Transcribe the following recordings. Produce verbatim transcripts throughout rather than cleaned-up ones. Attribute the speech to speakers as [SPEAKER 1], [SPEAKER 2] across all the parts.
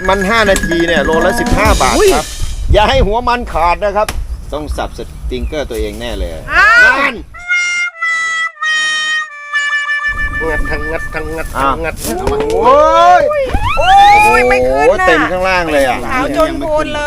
[SPEAKER 1] มันห้านาทีเนี่ยโลละสิบห้าบาทครับอย่าให้หัวมันขาดนะครับต้องสับสติงเกอร์ตัวเองแน่เลยนั่น
[SPEAKER 2] งัดทั้งงัดทั้งงัดทั้งงัด
[SPEAKER 1] โอ้ย
[SPEAKER 3] โอ้ยไม่ขึ้นนะ
[SPEAKER 1] เต็มข้างล่างเลยอ่ะ
[SPEAKER 3] ขาวจนโพนเลย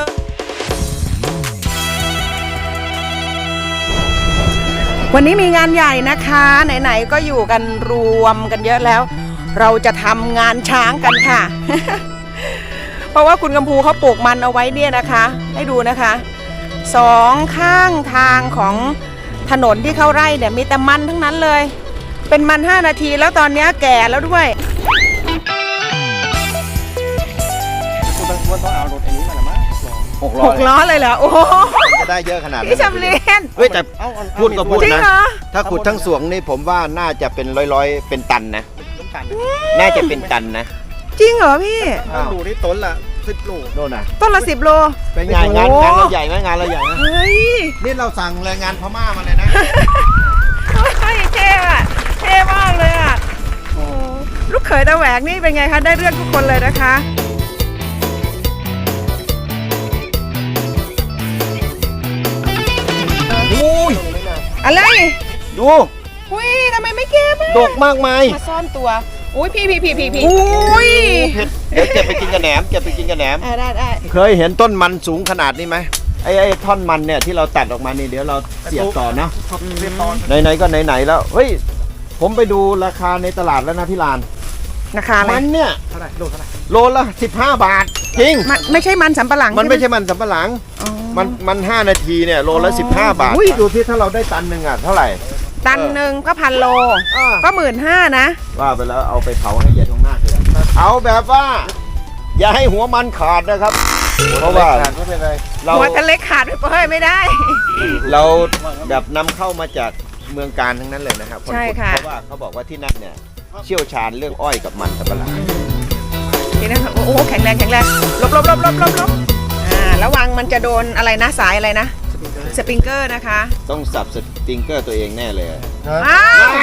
[SPEAKER 3] วันนี้มีงานใหญ่นะคะไหนๆก็อยู่กันรวมกันเยอะแล้วเราจะทำงานช้างกันค่ะ เพราะว่าคุณกำพูเขาปลูกมันเอาไว้เนี่ยนะคะให้ดูนะคะสองข้างทางของถนนที่เข้าไร่เนี่ยมีแต่มันทั้งนั้นเลยเป็นมันห้านาทีแล้วตอนนี้แก่แล้วด้วย
[SPEAKER 2] คุณต้องเอารถอันนี้มาหรือมั้ง
[SPEAKER 1] หกล้อ
[SPEAKER 3] หกล้อเลยเหรอโอ้
[SPEAKER 1] จะได้เยอะขนาดนี้
[SPEAKER 3] พี่จำเรียน
[SPEAKER 1] เฮ้ยแต่พูดก็พูดนะถ้าขุดทั้งสวงนี่ผมว่าน่าจะเป็นร้อยๆเป็นตันนะน่าจะเป็นตันนะ
[SPEAKER 3] จริงเหรอพี่
[SPEAKER 2] ดูที่ต้นละสิบโล
[SPEAKER 1] โน่นนะ
[SPEAKER 3] ต้นละสิบโล
[SPEAKER 1] เป็นไงงานงานเราใหญ่ไหมงานเราใหญ่ไหม
[SPEAKER 3] เฮ้ย
[SPEAKER 1] นี่เราสั่งแรงงานพม่ามาเลยนะ
[SPEAKER 3] เฮ้ยเท่อะเท่มากเลยอ่ะโอ้ลูกเขยตาแหวกนี่เป็นไงคะได้เรื่องทุกคนเลยนะคะ
[SPEAKER 1] อุ้ย
[SPEAKER 3] อะไร
[SPEAKER 1] ดู
[SPEAKER 3] อุ้ยทำไมไม่เก็บ
[SPEAKER 1] ดกมากมาย
[SPEAKER 3] มาซ่อนตัวอุ้ยพี่พี่พี่พี่พี่อุ้ย
[SPEAKER 1] เดี๋ยวเก็บไปกินกับแหนมเก็บไปกินกับแหนม
[SPEAKER 3] ได้ได้
[SPEAKER 1] เคยเห็นต้นมันสูงขนาดนี้ไหมไอ้ไอ้ท่อนมันเนี่ยที่เราตัดออกมานี่เดี๋ยวเราเสียบต่อนะไหนๆก็ไหนๆแล้วเฮ้ยผมไปดูราคาในตลาดแล้วนะพี่ลาน
[SPEAKER 3] ราคาอะไร
[SPEAKER 1] มันเนี่ย
[SPEAKER 2] เท่าไหร่โลเท่าไหร่
[SPEAKER 1] โลละสิบห้าบาทจริง
[SPEAKER 3] ไม่ใช่มันสำปะหลัง
[SPEAKER 1] มันไม่ใช่มันสำปะหลังมันมันห้านาทีเนี่ยโลละสิบห้าบาทดูที่ถ้าเราได้ตันหนึ่งอ่ะเท่าไหร่
[SPEAKER 3] ตันหนึ่งก็พันโลก็หมื่นห้านะ
[SPEAKER 1] ว่าไปแล้วเอาไปเผาให้เย็นตรงหน้าเลยเอาแบบว่าอย่าให้หัวมันขาดนะครับเพราะว่า
[SPEAKER 3] เราหัวทะเลขาดไปเฮ้ยไม่ได้
[SPEAKER 1] เราแบบนำเข้ามาจากเมืองการทั้งนั้นเลยนะครับ
[SPEAKER 3] ใช่ค่ะ
[SPEAKER 1] เพราะว่าเขาบอกว่าที่นั่นเนี่ยเชี่ยวชาญเรื่องอ้อยกับมันสำปะหลัง
[SPEAKER 3] นี่นะโอ้โหแข็งแรงแข็งแรงลบลบลบลบลบลบอ่าระวังมันจะโดนอะไรนะสายอะไรนะสปริงเกอร์นะคะ
[SPEAKER 1] ต้องสับสปริงเกอร์ตัวเองแน่เลย
[SPEAKER 3] อ้าว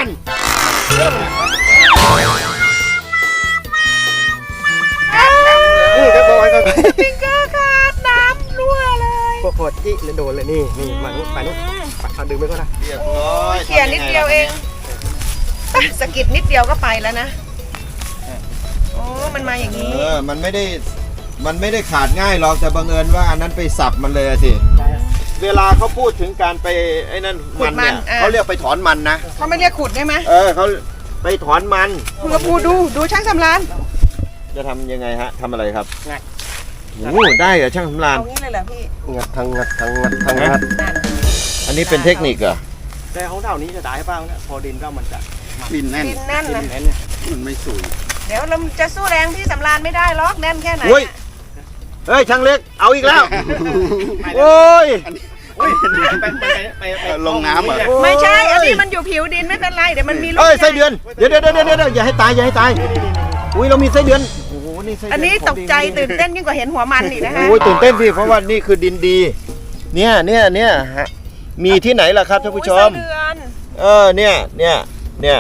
[SPEAKER 2] นี่จะโดน
[SPEAKER 3] สปริงเกอร์ขาดน้ำรั่วเลย
[SPEAKER 2] ปวดที่เลยโดนเลยนี่นี่มันไปนู้นเอาดึงไปก็ได้
[SPEAKER 1] เรียบร้อย
[SPEAKER 3] เขี่ยนิดเดียวเองสกิดนิดเดียวก็ไปแล้วนะโอ้มันมาอย่างนี้
[SPEAKER 1] เออมันไม่ได้มันไม่ได้ขาดง่ายหรอกแต่บังเอิญว่าอันนั้นไปสับมันเลยสิเวลาเขาพูดถึงการไปไอ้นั่นมันเนี่ยเขาเรียกไปถอนมันนะ
[SPEAKER 3] เขาไม่เรียกขุดได้ไหม
[SPEAKER 1] เออเขาไปถอนมัน
[SPEAKER 3] คุณกระพูดูดูช่างสำราน
[SPEAKER 1] จะทำยังไงฮะทำอะไรครับงัดโอ้ได้เหรอช่างสำราน
[SPEAKER 3] เอางี้เลยเหรอพี่
[SPEAKER 2] งัดทั้งงัดทั้งงัดทั้งงัด
[SPEAKER 1] อันนี้เป็นเทคนิคเหรอ
[SPEAKER 2] แต่ของเท่านี้จะได้เปล่าเนี่ยพอดินก็มันจะ
[SPEAKER 3] ดินแน่นดินแน่นนะ
[SPEAKER 2] มันไม่สูง
[SPEAKER 3] เดี๋ยวเราจะสู้แรงพี่สำรานไม่ได้ล็อกแน่นแค่ไหน
[SPEAKER 1] เฮ้ยช่างเล็กเอาอีกแล้วโอ้ย
[SPEAKER 2] ลงน้ำเหรอ
[SPEAKER 3] ไม่ใช่อันนี้มันอยู่ผิวดินไม่เป็นไรเดี๋ยวมันมีลูก
[SPEAKER 1] เอ้ยไส้เดือนเดี๋ยวเดี๋ยวเดี๋ยวเดี๋ยวอย่าให้ตายอย่าให้ตายอุ้ยเรามีไส้เดือนโอ้โหนี่ไส้เดือน
[SPEAKER 3] อันนี้ตกใจตื่นเต้นยิ่งกว่าเห็นหัวมันอีกนะคะ
[SPEAKER 1] โอ้ยตื่นเต้นสิเพราะว่านี่คือดินดีเนี่ยเนี่ยเนี่ยมีที่ไหนล่ะครับท่านผู้ชมเออเนี่ยเนี่ยเนี่ย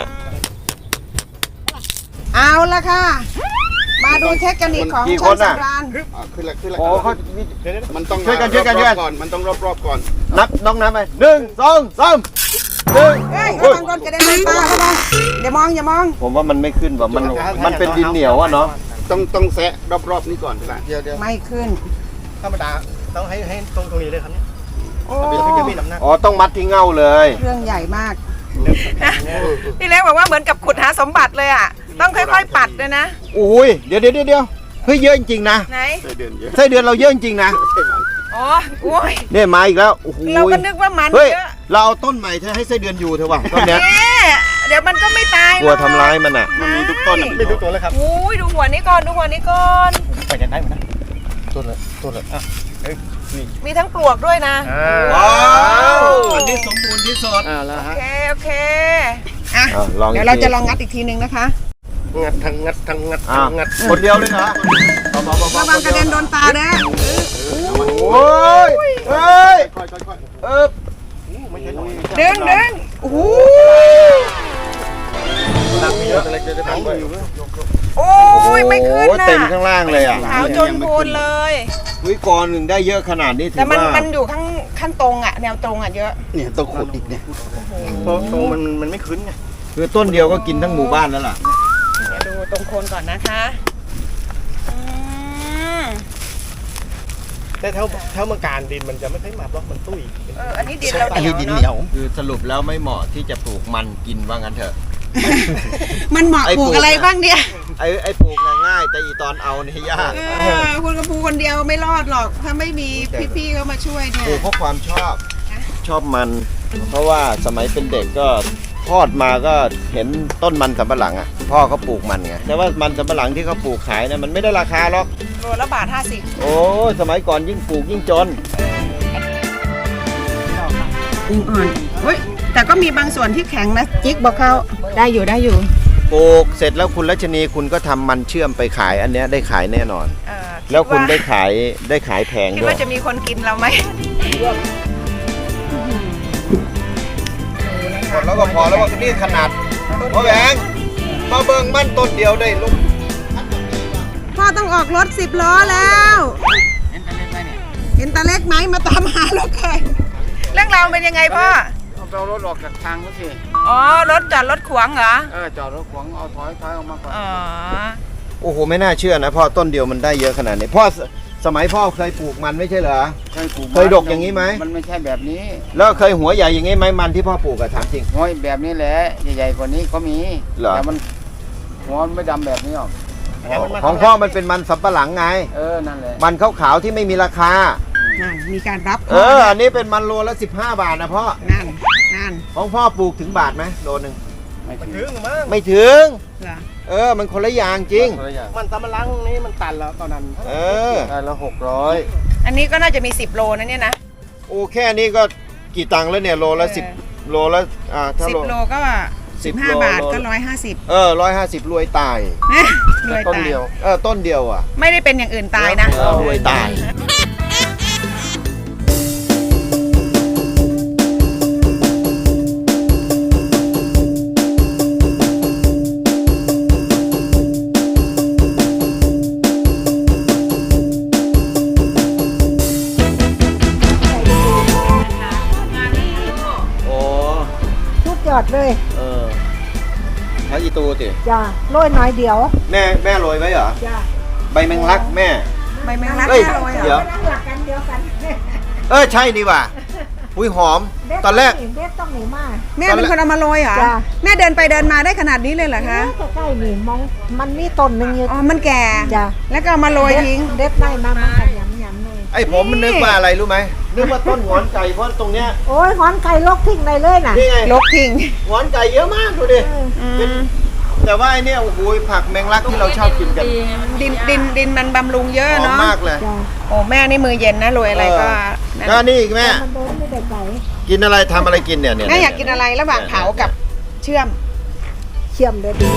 [SPEAKER 3] เอาละค่ะมาดูเทคนิคของช่างสำราน
[SPEAKER 2] ขึ้นละขึ้นละ
[SPEAKER 1] โอ้เขา
[SPEAKER 2] มันต้องช่วยกันช่วยกันช่วยกันก่อนมันต้องรอบๆก่อน
[SPEAKER 1] นับน้องน้ำไปหนึ่งสองสามหนึ่ง
[SPEAKER 3] เฮ้ยระวังโดนกระเด็นไปตาระวังอย่ามองอย่ามอง
[SPEAKER 1] ผมว่ามันไม่ขึ้นว่ะมันมันเป็นดินเหนียวอะเนาะ
[SPEAKER 2] ต้องต้องแซะรอบๆนี้ก่อนใช่ไหมเดี๋ยวเดี๋ยว
[SPEAKER 3] ไม่ขึ้น
[SPEAKER 2] ธรรมดาต้องให้ให้ตรงตรงนี้เลยครับเนี่ย
[SPEAKER 1] อ๋อต้องมัดที่เง่าเลย
[SPEAKER 3] เครื่องใหญ่มากพี่เล็กบอกว่าเหมือนกับขุดหาสมบัติเลยอ่ะต้องค่อยๆปัดเลยนะ
[SPEAKER 1] อุ้ยเดี๋ยวเดี๋ยวเดี๋ยวเฮ้ยเยอะจริงๆนะ
[SPEAKER 3] ไหน
[SPEAKER 1] ไส้เดือนเยอะไส้เดือนเราเยอะจริงๆนะ
[SPEAKER 3] อ๋อโอ้ย
[SPEAKER 1] เนี่ยมาอีกแล้วโอ้โห
[SPEAKER 3] เราก็นึกว่ามัน
[SPEAKER 1] เยอะเราเอาต้นใหม่ให้ไส้เดือนอยู่เถอะวะต้นเนี้ย
[SPEAKER 3] เดี๋ยวมันก็ไม่ตาย
[SPEAKER 1] กลัวทำร้ายมันอ่ะ
[SPEAKER 2] มันมีทุกต้นมีทุกตัวเลยครับ
[SPEAKER 3] โอ้ยดูหัวนี้ก่อนดูหัวนี้ก่อน
[SPEAKER 2] ไปจะได้ไหมนะต้นเลยต้นเลยอ่ะ
[SPEAKER 3] มีทั้งปลวกด้วยนะ
[SPEAKER 1] ว้าวอันนี้สมบูรณ์ที่สุด
[SPEAKER 3] โอเคโอเคอ่ะเดี๋ยวเราจะลองงัดอีกทีนึงนะคะ
[SPEAKER 2] งัดทั้งงัดทั้งงัดทั้งงัด
[SPEAKER 1] คนเดียวเลยเหรอ
[SPEAKER 3] ระวังกระเด็นโดนตานะ
[SPEAKER 1] โอ้ยเฮ้ยเออ
[SPEAKER 3] ดึงดึงโอ้โห
[SPEAKER 2] หนักเยอะอะไรจะได้บ้างอยู่
[SPEAKER 3] โอ้ยไม่ขึ้น
[SPEAKER 1] โอ้โห
[SPEAKER 3] น่ะ
[SPEAKER 1] เต็มข้างล่างเลยอ่ะ
[SPEAKER 3] ขาวจนโพนเลย
[SPEAKER 1] วิกรหนึ่งได้เยอะขนาดนี้ถื
[SPEAKER 3] แต่
[SPEAKER 1] อ
[SPEAKER 3] มัน
[SPEAKER 1] ว่า
[SPEAKER 3] มันอยู่ข้างขั้นตรงอ่ะแนวตรงอ่ะเยอะ
[SPEAKER 2] เนี่ยต้องขุดอีกเนี่ยตรงตรงมันมันไม่ขึ้นไง
[SPEAKER 1] คือต้นเดียวก็กินทั้งหมู่บ้านแล้วล่ะ
[SPEAKER 3] เดี๋ยวดูตรงโคนก่อนนะคะอืม
[SPEAKER 2] แต่แถวแถวเมืองการดินมันจะไม่ค่อยมาบล็อกมันตุ้ย
[SPEAKER 3] เอออันนี้ดินเรา
[SPEAKER 2] อัน
[SPEAKER 3] เหนี
[SPEAKER 2] นี้
[SPEAKER 3] ยว
[SPEAKER 2] ดิน
[SPEAKER 3] เนาะ
[SPEAKER 2] เหนียว
[SPEAKER 1] คือสรุปแล้วไม่เหมาะที่จะปลูกมันกินว่างั้นเถอะ
[SPEAKER 3] มันเหมาะ
[SPEAKER 1] ไอ้
[SPEAKER 3] ปลูก
[SPEAKER 1] ปลูก
[SPEAKER 3] อะไร
[SPEAKER 1] เนี่ย
[SPEAKER 3] บ้างเนี่ย
[SPEAKER 1] ไอ้ไอ้ปลูกน่ะง่าย แต่อีตอนเอาเนี่ยยาก
[SPEAKER 3] เออคุณกระพูคนเดียวไม่รอดหรอก ถ้าไม่มีพี่ๆเขามาช่วยเนี่
[SPEAKER 1] ปลู
[SPEAKER 3] ย
[SPEAKER 1] กเพราะความชอบ ชอบมัน เพราะว่าสมัยเป็นเด็กก็ทอดมาก็เห็นต้นมันสำปะหลังอ่ะพ่อเขาปลูกมันไงแต่ว่ามันสำปะหลังที่เขาปลูกขายเนี่ยมันไม่ได้ราคาหรอก
[SPEAKER 3] โลละบาทห้าสิบ
[SPEAKER 1] โอ้ยสมัยก่อนยิ่งปลูกยิ่งจน
[SPEAKER 3] อิงอ่อนเฮ้ยแต่ก็มีบางส่วนที่แข็งนะจิ๊กบอกเขาได้อยู่ได้อยู่
[SPEAKER 1] ปลูกเสร็จแล้วคุณรัชนีคุณก็ทำมันเชื่อมไปขายอันเนี้ยได้ขายแน่นอน
[SPEAKER 3] เออ
[SPEAKER 1] แล้วคุณได้
[SPEAKER 3] ด
[SPEAKER 1] ขายได้ขายแพง
[SPEAKER 3] าคิด
[SPEAKER 1] ด้วย
[SPEAKER 3] ว่าจะมีคนกินเราไหม
[SPEAKER 1] หมดแล้วก็พอแล้วว่านี่ขนาดพ่อแหวงมาเบิ่งมันต้นเดียวได้ลูก
[SPEAKER 3] พ่อต้องออกรถสิบล้อแล้วเห็นตาเล็กไหมมาตามหารถใครเรื่องราวเป็นยังไงพ่อ
[SPEAKER 4] เอาเอารถออกจากทางก็สิ
[SPEAKER 3] อ๋อรถจอดรถขวางเหรอ
[SPEAKER 4] เออจอดรถขวางเอาถอยถอยออกมาก่อน
[SPEAKER 3] อ๋อ
[SPEAKER 1] โอ้โหไม่น่าเชื่อนะพ่อต้นเดียวมันได้เยอะขนาดนี้พ่อสสมัยพ่อเคยปลูกมันไม่ใช่เหรอ
[SPEAKER 4] เคยปลูก
[SPEAKER 1] เคยดกอย่างนี้ไหม
[SPEAKER 4] มันไม่ใช่แบบนี้
[SPEAKER 1] แล้วเคยหัวใหญ่อย่างนี้ไหมมันที่พ่อปลูกอะถามจริง
[SPEAKER 4] หัวแบบนี้แหละใหญ่ๆกว่านี้ก็มี
[SPEAKER 1] เหรอ
[SPEAKER 4] แต่มันหัวมันไม่ดำแบบนี้หรอก
[SPEAKER 1] ของพ่อมันเป็นมันสำปะหลังไง
[SPEAKER 4] เออนั่นแหละ
[SPEAKER 1] มันขาวๆที่ไม่มีราคา
[SPEAKER 3] นั่นมีการรับ
[SPEAKER 1] เออ อันนี้เป็นมันโลละสิบห้าบาทนะพ่อ
[SPEAKER 3] นั่นนั่น
[SPEAKER 1] ของพ่อปลูกถึงบาทไหมโลหนึ่ง
[SPEAKER 4] ไม่
[SPEAKER 2] มัน
[SPEAKER 4] ถึ
[SPEAKER 2] ถึ
[SPEAKER 4] ง
[SPEAKER 2] งมั้ง
[SPEAKER 1] ไม่ถึง
[SPEAKER 3] เหรอ
[SPEAKER 1] เออ มันคนละอย่างจริง
[SPEAKER 4] คนละอย่าง
[SPEAKER 2] มันสำมะลังนี่มันตันแล้วตอนนั้น
[SPEAKER 1] เออ
[SPEAKER 4] ได้แล้วหกร้อย
[SPEAKER 3] อันนี้ก็น่าจะมีสิบโลนะเนี่ยนะ
[SPEAKER 1] โอ้แค่นี้ก็กี่ตังค์แล้วเนี่ยโลละ
[SPEAKER 3] เออ
[SPEAKER 1] สิบโลละอ่าถ้า
[SPEAKER 3] สิบ
[SPEAKER 1] โล
[SPEAKER 3] โลก็
[SPEAKER 1] สิ
[SPEAKER 3] สิ
[SPEAKER 1] บบ
[SPEAKER 3] ห้า
[SPEAKER 1] โล
[SPEAKER 3] บาท
[SPEAKER 1] โล
[SPEAKER 3] ก็ร้อยห้าสิบ
[SPEAKER 1] เออร้อยห้าสิบรวยตาย
[SPEAKER 3] รวย
[SPEAKER 4] ต้น
[SPEAKER 3] ตาย
[SPEAKER 4] เดียว
[SPEAKER 1] เออ ต้นเดียวอ่ะ
[SPEAKER 3] ไม่ได้เป็นอย่างอื่นตายนะ
[SPEAKER 1] เออรวยตาย โอ้
[SPEAKER 5] ทุกยอดเลย
[SPEAKER 1] เออพระอีตูสิ
[SPEAKER 5] จ้าโรยน้อยเดียว
[SPEAKER 1] แม่แม่โรยไว้เหรอ
[SPEAKER 5] จ้า
[SPEAKER 1] ใบแมงลักแม่
[SPEAKER 3] ใบแมงลัก
[SPEAKER 1] เฮ้ย
[SPEAKER 3] แค่โรยเหร
[SPEAKER 1] เดี๋ยว
[SPEAKER 3] อ
[SPEAKER 5] นั่งหลักกันเดียวกัน
[SPEAKER 1] เออใช่นี่ว่ะอุ้ยหอม ตอนแรก
[SPEAKER 5] เด็ดต้องหนีมาก
[SPEAKER 3] แม่เป็นคนเอามาโรยเหรอ
[SPEAKER 5] จ้ะ
[SPEAKER 3] แม่เดินไปเดินมาได้ขนาดนี้เลยเหรอคะ
[SPEAKER 5] ใกล้ๆนี่มองมันมีต้นหนึ่งอยู่
[SPEAKER 3] อ๋อ มันแก่
[SPEAKER 5] จ้ะ
[SPEAKER 3] แล้วก็เอามาโรยทิ้ง
[SPEAKER 5] เด็ดได้มามันกันยำยำๆเลย
[SPEAKER 1] ไอ้ผมมันนึกว่าอะไรรู้ไหมนึกว่าต้นหงอนไก่เพราะตรงเนี้ย
[SPEAKER 5] โอ้ยหอนไก่ลกทิ้งได้เลยน่ะ
[SPEAKER 1] นี่ไง
[SPEAKER 3] ลกทิ้ง
[SPEAKER 1] หงอนไก่เยอะมากดูดิ
[SPEAKER 3] อืม
[SPEAKER 1] แต่ว่าไอเนี้ยโอ้โหผักแมงลักที่เราชอบกินกัน
[SPEAKER 3] ดินดินดินมันบำรุงเยอะ
[SPEAKER 1] หอม
[SPEAKER 3] เนาะ
[SPEAKER 1] มากเลย
[SPEAKER 5] จ้า
[SPEAKER 3] โอ้แม่นี่มือเย็นนะโรยอะไรก็นั่น
[SPEAKER 1] ก็นี่อีกแม่
[SPEAKER 5] มันเดินไม่ได้ไก่
[SPEAKER 1] กินอะไรทำอะไรกินเนี่ยเนี่ย
[SPEAKER 3] แม่อยากกินอะไรระหว่างเผากับเชื่อม
[SPEAKER 5] เชื่อมเลยดี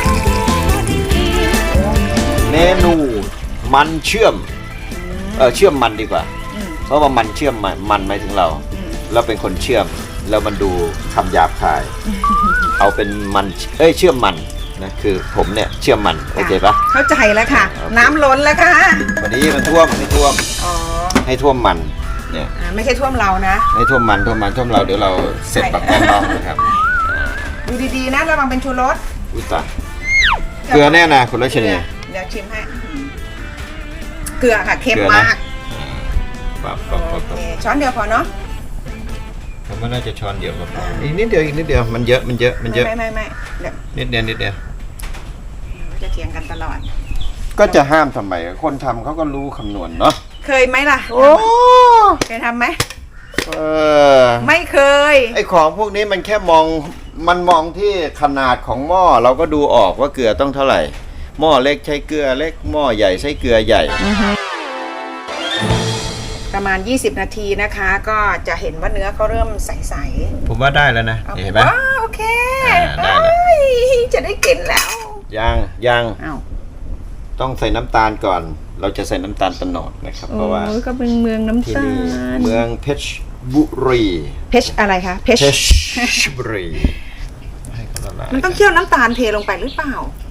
[SPEAKER 1] เมนูมันเชื่อมเออเชื่อมมันดีกว่า
[SPEAKER 3] อืม
[SPEAKER 1] เพราะว่ามันเชื่อมมันมันหมายถึงเรา
[SPEAKER 3] อืม
[SPEAKER 1] เราเป็นคนเชื่อมแล้วมันดูคำหยาบคาย เอาเป็นมันเอ้ยเชื่อมมันนะคือผมเนี่ยเชื่อมมันโอเคปะ
[SPEAKER 3] เข้าใจแล้วค่ะ
[SPEAKER 1] โอเค
[SPEAKER 3] น้ำล้นแล้วค่ะ
[SPEAKER 1] วันนี้มันท่วมไม่ท่วม
[SPEAKER 3] อ๋อ
[SPEAKER 1] ให้ท่วมมันเนี่ย
[SPEAKER 3] อ่าไม่ใช่ท่วมเรานะ
[SPEAKER 1] ให้ท่วมมันท่วมมันท่วมเราเดี๋ยวเราเสร็จปักแป้งน้องนะครับ
[SPEAKER 3] ดูดีๆนะระวังเป็นชูรส
[SPEAKER 1] อุ้ยตายเกลือแน่นะคุณรัชนี
[SPEAKER 3] เดี๋ยวชิมให้เกลือค่ะเค็ม
[SPEAKER 1] เกลือนะ
[SPEAKER 3] มาก
[SPEAKER 1] ปับปับปับ
[SPEAKER 3] โอ
[SPEAKER 1] ปับ
[SPEAKER 3] เคช้อนเดียวพอเนาะ
[SPEAKER 1] ผมว่าน่าจะช้อนเดียวก็พออีกนิดเดียวอีกนิดเดียวมันเยอะมันเยอะมันเยอะ
[SPEAKER 3] ไม่ไม่ไม่เดี๋ยว
[SPEAKER 1] นิดเดียวนิดเดียว
[SPEAKER 3] จะเถียงกันตลอด
[SPEAKER 1] ก็จะห้ามทำไมคนทำเขาก็รู้คำนวณเนาะ
[SPEAKER 3] เคยไหมล่ะ
[SPEAKER 1] โอ้
[SPEAKER 3] เคยทำไหม
[SPEAKER 1] เออ
[SPEAKER 3] ไม่เคย
[SPEAKER 1] ไอของพวกนี้มันแค่มองมันมองที่ขนาดของหม้อเราก็ดูออกว่าเกลือต้องเท่าไหร่หม้อเล็กใช้เกลือเล็กหม้อใหญ่ใช้เกลือใหญ่
[SPEAKER 3] ประมาณ ยี่สิบ นาทีนะคะ ก็จะเห็นว่าเนื้อเขาเริ่มใส
[SPEAKER 1] ผมว่าได้แล้วนะ
[SPEAKER 3] ๆ
[SPEAKER 1] เห็นไหม
[SPEAKER 3] ว้าวโอเค
[SPEAKER 1] อ่าได้แล้ว
[SPEAKER 3] เอ้ยจะได้กินแล้ว
[SPEAKER 1] ยังยัง
[SPEAKER 3] อ้าว
[SPEAKER 1] ต้องใส่น้ำตาลก่อน เราจะใส่น้ำตาลตะโนดนะครับเพราะว่า
[SPEAKER 3] โอ้ยก็เป็นเมืองน้ำ
[SPEAKER 1] ที่
[SPEAKER 3] ตา
[SPEAKER 1] นี่
[SPEAKER 3] ล
[SPEAKER 1] เมืองเพชรบุรี
[SPEAKER 3] เพชรอะไรคะเพชร
[SPEAKER 1] เพชรบุรีให้เขาละลาย
[SPEAKER 3] มันต้องเคี่ยวน้ำตาลเทลงไปหรือเปล่า
[SPEAKER 1] อ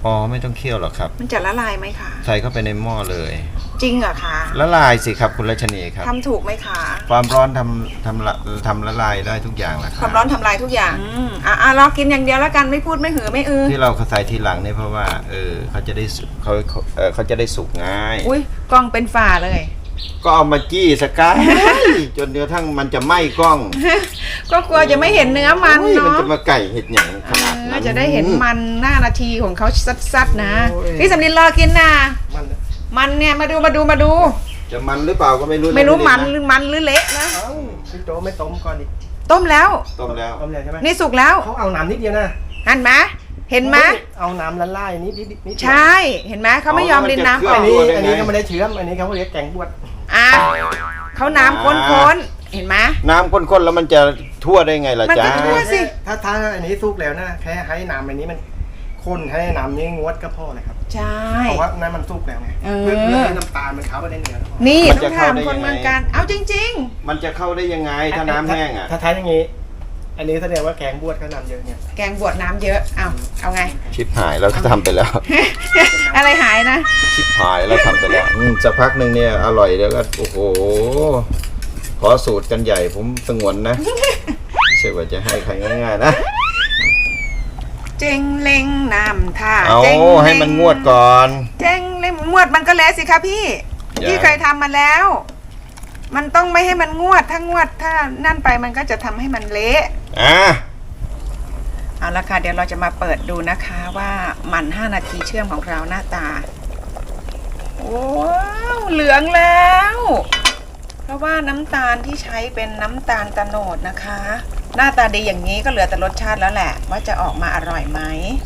[SPEAKER 1] อ๋อไม่ต้องเคี่ยวหรอกครับ
[SPEAKER 3] มันจะละลายไหมคะ
[SPEAKER 1] ใส่เข้าไปในหม้อเลย
[SPEAKER 3] จริงเหรอคะ
[SPEAKER 1] ละลายสิครับคุณรัชนีครับ
[SPEAKER 3] ทำถูกไหมคะ
[SPEAKER 1] ความร้อนทำทำละทำละลายได้ทุกอย่างแหละค
[SPEAKER 3] ครับ วามร้อนทำลายทุกอย่างอืมอ่ะอ่ะรอกินอย่างเดียวแล้วกันไม่พูดไม่หือไม่อือ
[SPEAKER 1] ที่เราใส่ทีหลังเนี่ยเพราะว่าเออเขาจะได้สุกเขาเขาเออเขาจะได้สุกง่าย
[SPEAKER 3] อุ้ยกล้องเป็นฝ่าเลย
[SPEAKER 1] ก็เอามาจี้สกาย จนเนื้อทั้งมันจะไหม้กล้อง
[SPEAKER 3] ก็กลัวจะไม่เห็นเนื้อมัน
[SPEAKER 1] โอ้ยมัน
[SPEAKER 3] เนาะ
[SPEAKER 1] จะมาไก่เห็ดอย่างขนาด
[SPEAKER 3] เอ
[SPEAKER 1] นั้
[SPEAKER 3] อน จะได้เห็นมันหน้านาทีของเขาซัดๆนะ
[SPEAKER 2] โอ้ย
[SPEAKER 3] พี่สำลินรอกินนะ
[SPEAKER 2] มัน
[SPEAKER 3] มันเนี่ยมาดูมาดูมาดู
[SPEAKER 1] จะมันหรือเปล่าก็ไม่รู้ะ
[SPEAKER 3] ไม่รู้มัน
[SPEAKER 1] พี่
[SPEAKER 3] หรือมันหรือเละนะ
[SPEAKER 2] เอ้าพี่โจไม่ต้มก่อนดิ
[SPEAKER 3] ต้มแล้ว
[SPEAKER 1] ต้มแล้ว
[SPEAKER 2] ต้มเลยใช่ไหม
[SPEAKER 3] นี่สุกแล้ว
[SPEAKER 2] เขาเอาน้ำนิดเดียวนะ
[SPEAKER 3] หันไหมเห็นไหม
[SPEAKER 2] เอาน้ำละลายนิดนิดนิดเดียว
[SPEAKER 3] ใช่เห็นไหมเขาไม่ยอมรินน้ำอ
[SPEAKER 2] อั
[SPEAKER 3] อน ก
[SPEAKER 2] นี้อันนี้ก็ไม่ได้เชื้อมอันนี้เขาเรียกแกงบวช
[SPEAKER 3] อ่ะเขาน้ำข้นๆเห็นไหม
[SPEAKER 1] น้ำข้นๆแล้วมันจะทั่วได้ไงล่ะ
[SPEAKER 3] มัน
[SPEAKER 1] จ๊ะ
[SPEAKER 3] จะทั่ว สิ
[SPEAKER 2] ถ้าถ้าอันนี้สุกแล้วนะแค่ให้น้ำอันนี้มันข้นให้น้ำนี้งวดก็พอเลยครับ
[SPEAKER 3] ใช่
[SPEAKER 2] เพราะว่าน้ำมันสุกแล้วไง
[SPEAKER 3] เออ
[SPEAKER 2] เพื่อเพื่อให้น้ำตาลมันเข้าไปในเนื้อ
[SPEAKER 3] นี่ต้องถามคนเมืองการเอาจริง
[SPEAKER 1] มันจะเข้าได้ยังไงถ้าน้ำแห้งอ่ะ
[SPEAKER 2] ถ้าท้ายอย่างนี้ อันนี้แสดงว่าแกงบวชเขาน้ำเยอะเนี่ย
[SPEAKER 3] ๆ แกงบวชน้ำเยอะเอาเอาไง
[SPEAKER 1] ชิบหายแล้วก็ทำไปแล้ว
[SPEAKER 3] อะไรหายนะ
[SPEAKER 1] ชิบหายแล้วทำไปแล้วอืมสักพักหนึ่งเนี่ยอร่อยแล้วก็โอ้โหขอสูตรกันใหญ่ผมสงวนนะ ไม่ใช่ว่าจะให้ใครง่ายๆนะ
[SPEAKER 3] เจงเล็งน้ำท่า
[SPEAKER 1] เอา
[SPEAKER 3] เจงเล็ง
[SPEAKER 1] ให้มันงวดก่อน
[SPEAKER 3] เจงเล็งงวดมันก็แล้วสิคะพี่
[SPEAKER 1] อย่า
[SPEAKER 3] พี่เคยทำมาแล้ว มันต้องไม่ให้มันงวดถ้างวดถ้านั่นไปมันก็จะทำให้มันเละ
[SPEAKER 1] อ่ะ
[SPEAKER 3] เอาละค่ะเดี๋ยวเราจะมาเปิดดูนะคะว่ามันห้านาทีเชื่อมของเราหน้าตาว้าวเหลืองแล้ว เพราะว่าน้ำตาลที่ใช้เป็นน้ำตาลตะโนดนะคะ หน้าตาดีอย่างนี้ก็เหลือแต่รสชาติแล้วแหละ ว่าจะออกมาอร่อยไหม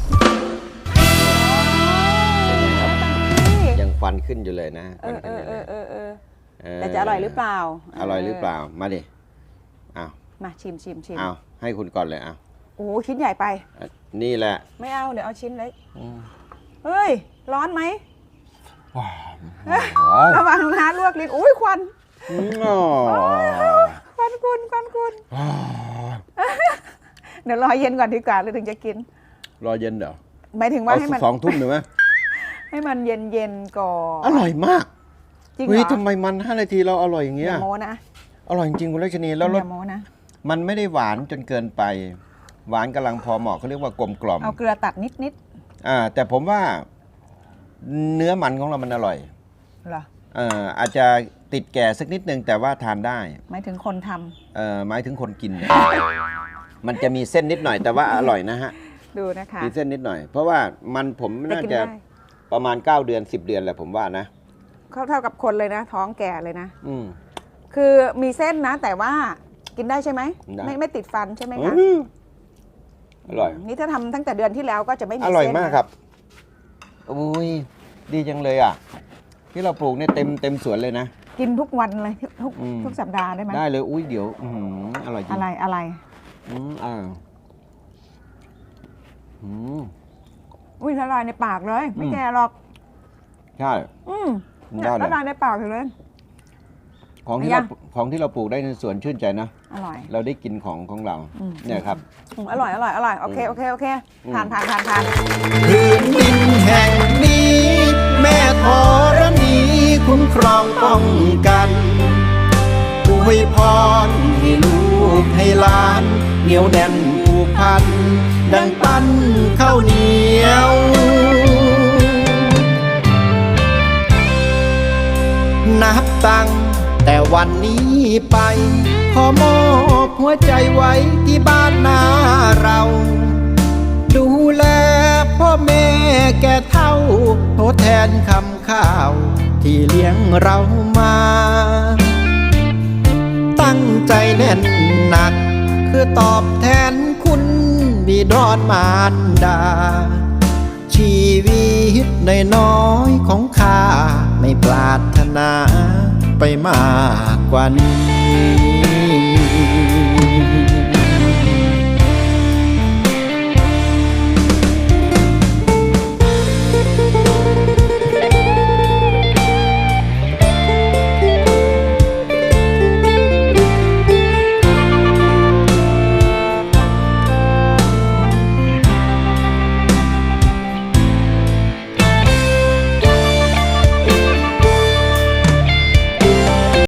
[SPEAKER 1] ยังฟันขึ้นอยู่เลยนะ
[SPEAKER 3] เออเออเออเออเออ
[SPEAKER 1] เออ
[SPEAKER 3] แต่จะอร่อยหรือเปล่า
[SPEAKER 1] อร่อยหรือเปล่ามาดิอ้าว
[SPEAKER 3] มาชิมชิมชิม
[SPEAKER 1] อ้าวให้คุณก่อนเลยอ้าว
[SPEAKER 3] โอ้โหชิ้นใหญ่ไป
[SPEAKER 1] นี่แหละ
[SPEAKER 3] ไม่เอาเดี๋ยวเอาชิ้นเล็กเฮ้ย ร้อนไหมระวังนะลวกลิ้นอุ้ยควันควันคุณควันคุณเดี๋ยวรอเย็นก่อนดีกว่าเลยถึงจะกิน
[SPEAKER 1] รอเย็นเดี๋ยว
[SPEAKER 3] หมายถึงว่า
[SPEAKER 1] เอา
[SPEAKER 3] ให้มัน
[SPEAKER 1] สองทุ่มหรือไหม
[SPEAKER 3] ให้มันเย็นเย็นๆก่อน
[SPEAKER 1] อร่อยมาก
[SPEAKER 3] จริงเหร
[SPEAKER 1] เฮ้ย
[SPEAKER 3] อ
[SPEAKER 1] ทำไมมันห้านาทีเราอร่อยอย่าง
[SPEAKER 3] อ
[SPEAKER 1] เงี้ย
[SPEAKER 3] ย่าโมนะ
[SPEAKER 1] อร่อยจริงๆคุณรัชนีแล้วร
[SPEAKER 3] อ
[SPEAKER 1] ส
[SPEAKER 3] ย่าโมนะ
[SPEAKER 1] มันไม่ได้หวานจนเกินไป หวานกำลังพอเหมาะเขาเรียกว่ากลมกล่อม
[SPEAKER 3] เอาเกลือตัดนิดนิด
[SPEAKER 1] อ่าแต่ผมว่าเนื้อมันของเรามันอร่อย
[SPEAKER 3] ๆเหรอ
[SPEAKER 1] เอ่ออาจจะติดแก่สักนิดนึงแต่ว่าทานได้
[SPEAKER 3] หมายถึงคนทำ
[SPEAKER 1] เอ่อหมายถึงคนกินเนี่ยมันจะมีเส้นนิดหน่อยแต่ว่าอร่อยนะฮะ
[SPEAKER 3] ดูนะคะ
[SPEAKER 1] มีเส้นนิดหน่อย เพราะว่ามันผม
[SPEAKER 3] แต่
[SPEAKER 1] น่า
[SPEAKER 3] กิน
[SPEAKER 1] จะ
[SPEAKER 3] ได้
[SPEAKER 1] ประมาณเก้าเดือนสิบเดือนแหละผมว่านะ
[SPEAKER 3] เขาเท่ากับคนเลยนะ ท้องแก่เลยนะ
[SPEAKER 1] อืม
[SPEAKER 3] คือมีเส้นนะ แต่ว่ากินได้ใช่ไหม
[SPEAKER 1] ได้
[SPEAKER 3] ไม่ไม่ติดฟันใช่ไหมคะ
[SPEAKER 1] อืมอร่อย
[SPEAKER 3] นี่ถ้าทำตั้งแต่เดือนที่แล้วก็จะไม่มี
[SPEAKER 1] อ
[SPEAKER 3] เส้น
[SPEAKER 1] ร่อยมาก
[SPEAKER 3] นะครับ
[SPEAKER 1] อุ้ยดีจังเลยอ่ะ ที่เราปลูกเนี่ยเต็มเต็มสวนเลยนะ
[SPEAKER 3] กินทุกวันเลยทุก
[SPEAKER 1] อืม
[SPEAKER 3] ทุกสัปดาห์ได้ไหม
[SPEAKER 1] ได้เลยอุ้ยเดี๋ยวอื้อหืออร่อยจริง
[SPEAKER 3] อะไรอะไร
[SPEAKER 1] อืมอ่าอืม
[SPEAKER 3] อุ้ยละลายในปากเลย ไม่
[SPEAKER 1] อืม
[SPEAKER 3] แก่หรอก
[SPEAKER 1] ใช่
[SPEAKER 3] อืม
[SPEAKER 1] ได้
[SPEAKER 3] เนี่ย
[SPEAKER 1] เลย
[SPEAKER 3] ละลายในปากอยู่เลย
[SPEAKER 1] ของที่
[SPEAKER 3] ยั
[SPEAKER 1] เรา
[SPEAKER 3] ง
[SPEAKER 1] ของที่เราปลูกได้ในสวนชื่นใจนะ
[SPEAKER 3] อร่อย
[SPEAKER 1] เราได้กินของของเรา
[SPEAKER 3] อืม
[SPEAKER 1] เนี่ยครับ
[SPEAKER 3] อืมอร่อยอร่อยอร่อยโอเคโอเคโอเค
[SPEAKER 1] อืม
[SPEAKER 3] ผ่านผ่านผ่านผ่าน
[SPEAKER 1] พื้นดินแห่งนี้ แม่ธรณีคุ้มครองป้องกันอวยพรให้ลูกให้หลานเหนียวแน่นผูกพัน ดังปั้นข้าวเหนียวนับตั้งแต่วันนี้ไป ขอมอบหัวใจไว้ที่บ้านนาเรา ดูแลพ่อแม่แก่เฒ่าทดแทนคำข้าวที่เลี้ยงเรามา ตั้งใจแน่นหนักคือตอบแทนคุณบิดรมารดา ชีวิตน้อยๆของข้าไม่ปรารถนาไปมากกว่านี้